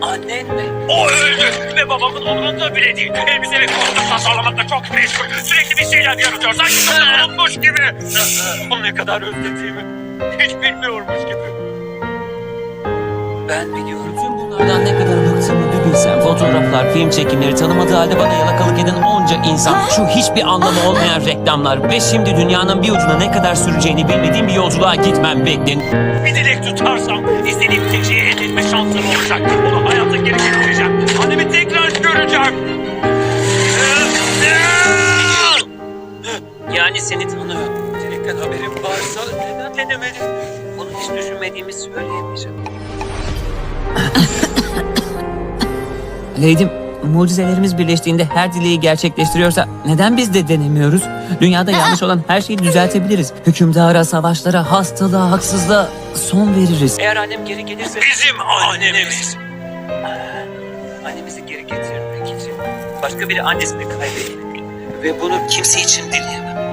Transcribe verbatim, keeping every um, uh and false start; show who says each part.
Speaker 1: Annen mi?
Speaker 2: O öldü ve babamın umurunda bile değil. Elbise ve koltuk tasarlamakla çok meşgul. Sürekli bir şeyler yaratıyor. Sanki bunu unutmuş gibi. Onu ne kadar özlediğimi hiç bilmiyormuş gibi.
Speaker 1: Ben biliyorum.
Speaker 3: Tüm bunlardan ne kadar bıktığımı bir bilsem. Fotoğraflar, film çekimleri, tanımadığı halde bana yalakalık eden onca insan. Şu hiçbir anlamı olmayan reklamlar. Ve şimdi dünyanın bir ucuna ne kadar süreceğini bilmediğim bir yolculuğa gitmem beklen.
Speaker 2: Bir dilek tutarsam istediğim tek şeyi elde etme şansım olacak. Onu hayata geri getireceğim. Annemi tekrar göreceğim.
Speaker 1: Yani seni tanıyorum. Dilekten haberim varsa neden denemedin? Bunu hiç düşünmediğimi söyleyemeyeceğim.
Speaker 3: Lady'm, mucizelerimiz birleştiğinde her dileği gerçekleştiriyorsa neden biz de denemiyoruz? Dünyada yanlış olan her şeyi düzeltebiliriz. Hükümdara, savaşlara, hastalığa, haksızlığa son veririz.
Speaker 1: Eğer annem geri gelirse...
Speaker 2: Bizim annemiz.
Speaker 1: Annemizi geri getirmek için başka biri annesini kaybetmeli. Ve bunu kimse için dileyemem.